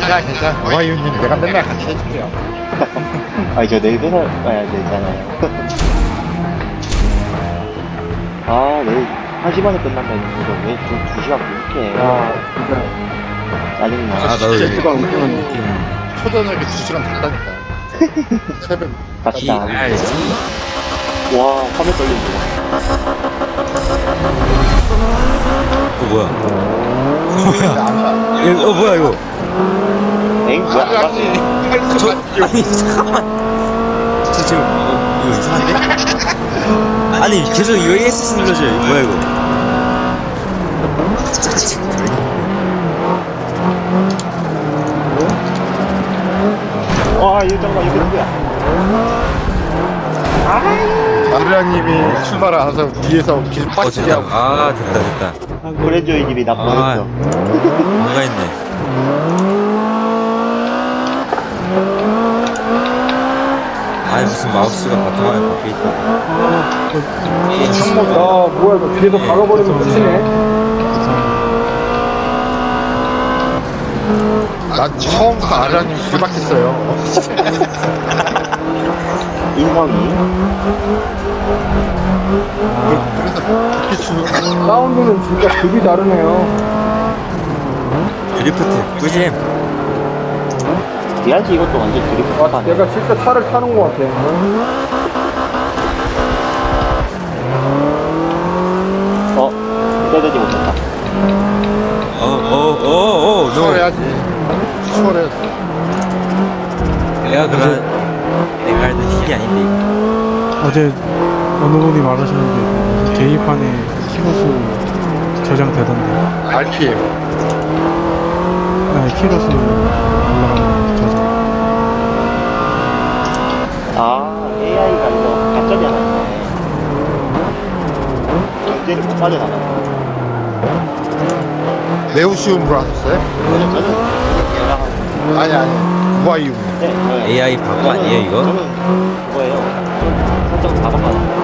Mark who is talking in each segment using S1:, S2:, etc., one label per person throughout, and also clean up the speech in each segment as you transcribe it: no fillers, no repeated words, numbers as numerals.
S1: 괜찮아. 와이유님 내가 맨날 같이 해줄게요.
S2: 아니 저 내일 회사 가야 되잖아요. 아 내일 1시 반에 끝난다는 거 왜 좀 2시간 늦게
S3: 아, 진짜.
S2: 짜증나.
S1: 나도
S3: 제트가 운전하는 느낌.
S1: 초저녁에 2시간 됐다니까. 새벽.
S2: 갔다.
S4: 알지.
S2: 와 화면 떨린다.
S4: 뭐야?
S1: 뭐야?
S4: 이거 뭐야 이거?
S2: 엥? 뭐야? 안 봤어.
S4: 아니 잠깐만. 저 지금 이거 이상한데? 아니 계속 UAS 눌러줘요. 이거 뭐야 이거?
S2: 와 이거 잠깐만 이거 누구야?
S1: 마르라님이 출발 안 해서 뒤에서 계속 빡치게
S4: 됐다.
S1: 하고.
S4: 아 됐다.
S2: 브랜조이 집이 나 보냈어.
S4: 뭔가 있네. 아니 무슨 마우스가 바탕화에 박혀 있다.
S3: 아, 뭐야, 이거 뒤에서 박아버리면 끝이네.
S1: 난 처음부터 마르라님 길박했어요.
S2: 인성이.
S1: 그래서 그렇게 주는
S3: 사운드는 진짜 급이 다르네요.
S4: 드리프트 꿀잼.
S2: 미안지 이것도 완전 드리프트
S3: 아,
S2: 하네.
S3: 내가 진짜 차를 타는 것 같아.
S2: 기다리지 못했다.
S4: 너
S1: 추월해야지. 추월해야지.
S4: 내가 알던 힐이 아닌데 이거.
S5: 어제 어느 분이 말하시는데 게시판에 키로수 저장되던데.
S1: RPM.
S5: 아, 키로수 올라가는 저장.
S2: 아 AI가 이거 가점이 하나 있네. 경제를 못 빠져나가.
S1: 매우 쉬움으로 하셨어요?
S2: 저는 연락하고.
S1: 아니. 와이유.
S2: 네, 저는
S4: AI 바보
S2: 저는-
S4: 아니에요, 이거?
S2: 저는 그거예요. 설정 4번 받았어요.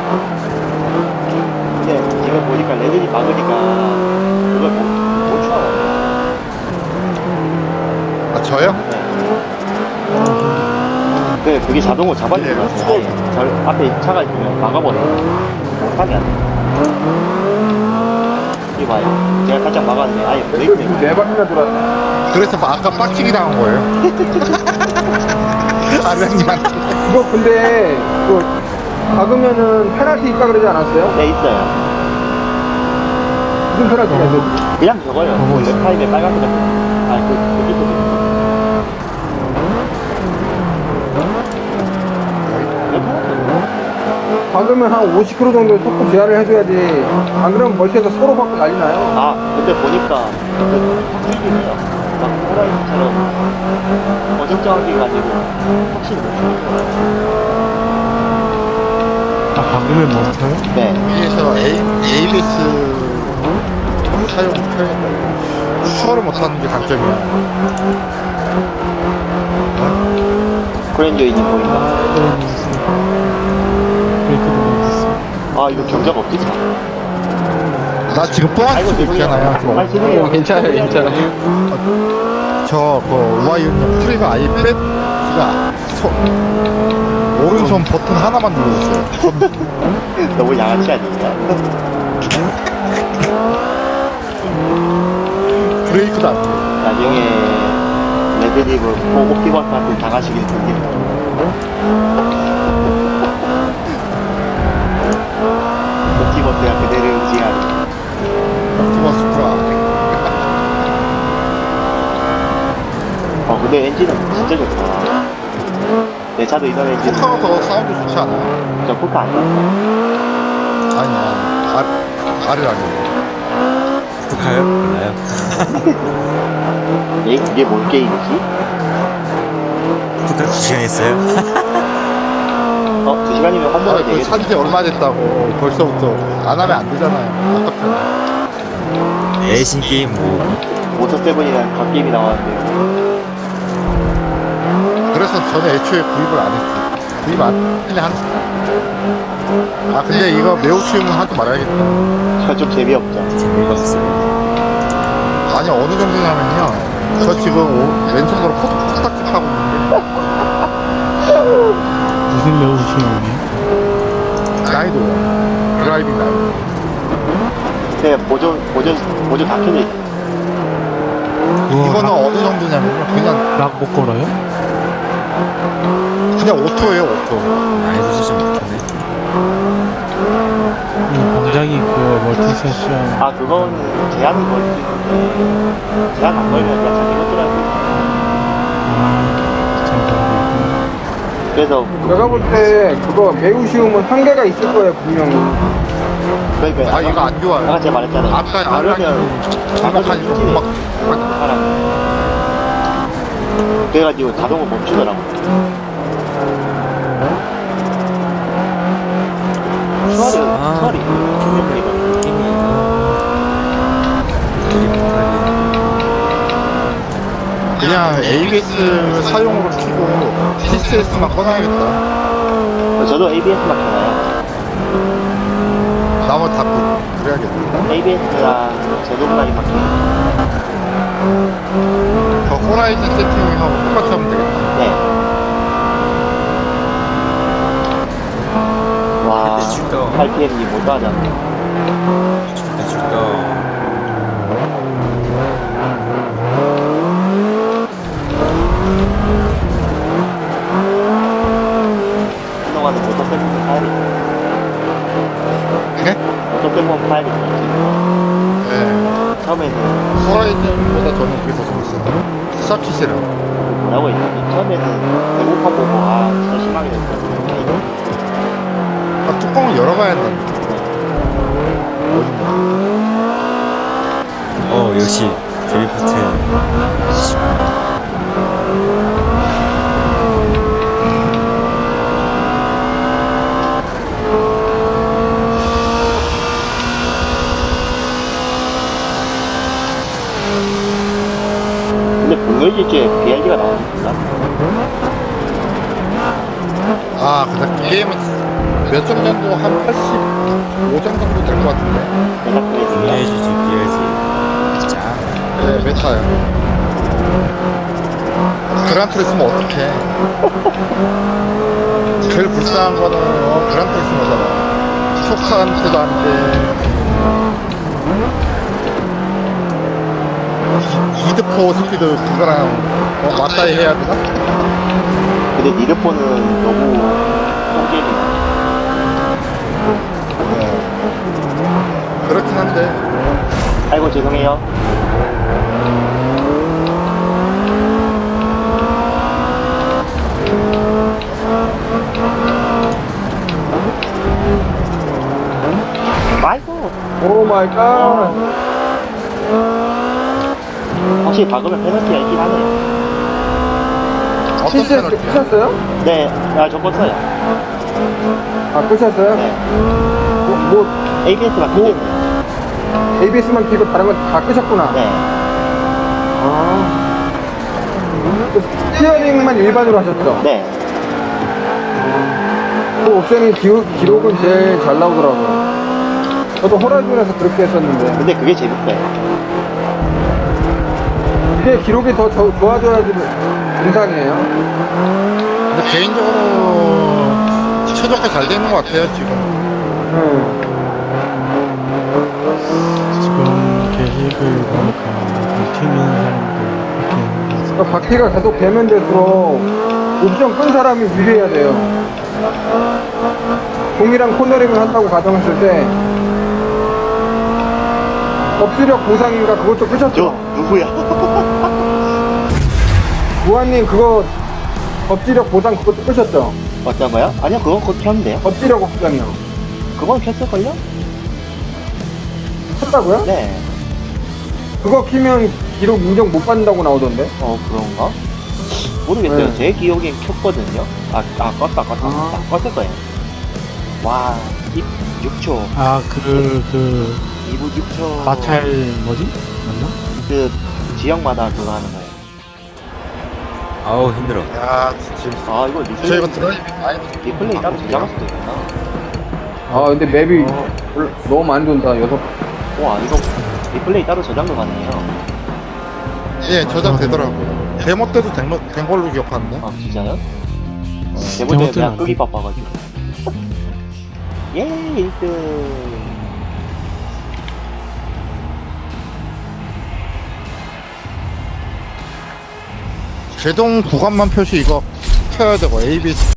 S2: 근데 지금 보니까 레벨이 막으니까 그걸 못 추하거든요.
S1: 아, 저요?
S2: 그게 자동으로 잡아주는 것 같은데 저 앞에 차가 있으면 막아버려요. 못하게 안 돼. 이거 봐요. 제가 살짝 막았는데 아예 브레이크
S3: 지금 네 바퀴나 돌았네.
S1: 그래서 아까 빡치기 당한 거예요. 마르라님한테.
S3: 이거 근데, 그, 박으면은 페널티 있다 그러지 않았어요?
S2: 네 있어요.
S3: 무슨 페널티가 있어요?
S2: 그냥 저거요.
S5: 보고 있어요.
S2: 웹타임에 빨간색 같은 거. 아니 그 밑에
S3: 박으면 한 50km 정도 속도 제한을 해줘야지. 안 그러면 멀티에서 서로 받고 난리 나요.
S2: 아 근데 보니까 확실히 해요. 막 호라이즌처럼 어정쩡하게 가지고 확실히 못 추는 거예요.
S5: 아, 박으면 멈춰요?
S2: 네.
S1: 위에서 ABS 사용 표현했다고. 추월을 못하는 게 단점이야.
S2: 그랜저이님 보니까
S5: 브레이크도 있어요.
S2: 아 이거 경적 없지 참.
S1: 나 지금 또 한 치고 있잖아요.
S2: 아 죄송해요.
S3: 괜찮아요, 괜찮아요.
S1: 저그 와이유님 트리거 아예 뺐지가 오른손 버튼 하나만 누르고 있어요.
S2: 너무 양아치 아니냐?
S1: 브레이크도 안 돼.
S2: 나중에 레드립을 옵티버스한테 당하시길 빌립니다. 옵티버스가 그대를 의지하는.
S1: 옵티머스 프라.
S2: 근데 엔진은 진짜 좋다. 내 차도 이런 엔진.
S1: 포카가 더 사운드 좋지 않아요?
S2: 저 포카 안 샀어.
S1: 아니야. 아래라니.
S4: 북한요? 몰라요.
S2: 이게 뭔 게임이지?
S4: 북한 2시간 했어요?
S2: 2시간이면 한
S1: 아,
S2: 번에
S1: 그
S2: 되겠네.
S1: 산지 얼마됐다고 벌써부터 안 하면 안 되잖아요. 아깝잖아.
S4: 레이싱 게임 뭐
S2: 모터7이라는 갓게임이 나왔는데.
S1: 그래서 저는 애초에 구입을 안 했지. 구입 안 했네 한. 아 근데 이거 매우 쉬움은 하지 말아야겠다.
S2: 저 좀 재미없죠.
S4: 재미가 없어요.
S1: 아니 어느 정도냐면요. 저 지금 왼손으로 코딱지 하고 있는데
S5: 무슨 레오시용이?
S1: 라이도 드라이빙 라이도.
S2: 네, 보조 다 켜져 있어요.
S1: 이거는 어느 정도냐면요 그냥
S5: 락못 걸어요?
S1: 오토예요 오토.
S4: 아이도 좀 못하네.
S5: 굉장히 그 멀티 세션
S2: 아, 그건 제한은 걸릴 수 있는데, 제한 안 걸면 그냥 자기 것들하고.
S5: 잘 걸고
S2: 그래서,
S3: 내가 볼 때 그거 매우 쉬우면 한계가 있을 거예요 분명히.
S2: 그러니까.
S1: 아 이거 안 좋아요.
S2: 아까 제가 말했잖아요.
S1: 아까
S2: 그러면,
S1: 정확하게 막
S2: 사람. 그래가지고 자동으로 멈추더라고요. 수월이
S4: 이거 게임이
S1: 그냥 ABS 사용으로 키고 TCS만 꺼놔야겠다.
S2: 저도 ABS만 켜놔요.
S1: 나머지 다 그래야겠다.
S2: ABS랑 제동라인만 켜요.
S1: 저 호라이즌 세팅하고 똑같이 하면 되겠다.
S2: 네. 와,
S4: 근데 줄까?
S2: RPM이 못 하잖아.
S4: 줄까?
S2: 한동안은 모터 빼면 파야겠다.
S1: 네?
S2: 모터 빼면 파야겠다.
S1: 네.
S2: 처음에는
S1: 호라이즌보다 저는 그게 더 재밌어요. 서킷이라.
S2: 뭐라고 했지? 처음에는 배고파 보고 아 진짜 심하게 됐거든요.
S1: 아, 뚜껑을 열어봐야 돼.
S4: 역시 드리프트.
S2: 근데 분노일지에 BRD가 나오니까
S1: 아, 그다 게임은 몇 점 정도 한 85점 정도 될 것 같은데.
S2: 내가 그게 중요해.
S4: 비해주지 비해지. 자.
S1: 네, 메타요. 그란투리스모 어떡해. 제일 불쌍한 거는 그란투리스모잖아. 초카한테도 안 돼. 이드포 스피드 그거랑 맞다이 해야 되나?
S2: 근데 니드폰은 너무 똥게임이다.
S1: 그렇긴 한데.
S2: 아이고 죄송해요. 아이고
S3: 오 마이 갓.
S2: 확실히 박으면 페널티가 있긴 하네요.
S1: 어떤
S3: TCS
S1: 패널티야?
S3: 끄셨어요?
S2: 네, 저거 써요.
S3: 아 끄셨어요?
S2: 네.
S3: 뭐
S2: ABS만 켜져 있네요.
S3: ABS만 켜고 다른 건 다 끄셨구나.
S2: 네.
S3: 아. 그 스티어링만 일반으로 하셨죠?
S2: 네.
S3: 그 옵션이 기록은 제일 잘 나오더라고요. 저도 호라이즌에서 그렇게 했었는데
S2: 근데 그게 재밌어요.
S3: 이게 기록이 더 좋아져야지 정상이에요.
S1: 근데 개인적으로 최적화 잘 되는 것 같아요, 지금.
S5: 지금 게시글 보니까 팀 있는 사람들 이렇게 하는 거
S3: 그러니까 바퀴가 계속 되면 될수록 옵션 끈 사람이 유리해야 돼요. 동일한 코너링을 한다고 가정했을 때 업수력 보상인가 그것도 끄셨죠?
S2: 누구야?
S3: 무한님 그거 업지력 보상 그것도 끄셨죠?
S2: 어떤 거요? 아니요, 그건 곧 켰는데요.
S3: 업지력 옵션이요.
S2: 그건 켰을걸요?
S3: 켰다고요?
S2: 네.
S3: 그거 키면 기록 인정 못 받는다고 나오던데?
S2: 그런가? 모르겠어요.
S3: 네.
S2: 제 기억엔 켰거든요. 껐다.
S3: 아.
S2: 껐을 거예요. 와, 6초.
S5: 아, 그
S2: 2분 6초.
S5: 마찰 뭐지? 맞나?
S2: 그, 지역마다 그거 하는 거예요.
S4: 아우 힘들어.
S1: 야, 지금.
S2: 아, 이거
S1: 저 이거 드라이빙 많이
S2: 리플레이 따로 저장할 수도 있구나.
S3: 아 근데 맵이 너무 많이 돈다. 6.
S2: 와, 이거 리플레이 따로 저장도 가능해요.
S1: 예, 저장되더라고요. 데모 때도 된 걸로 기억하는데.
S2: 아 진짜요? 대본 때문에
S5: 대본 때는
S2: 내가
S5: 안
S2: 끄기
S5: 돼.
S2: 바빠가지고. 예 1등.
S1: 제동 구간만 표시 이거 켜야 되고 A, B, C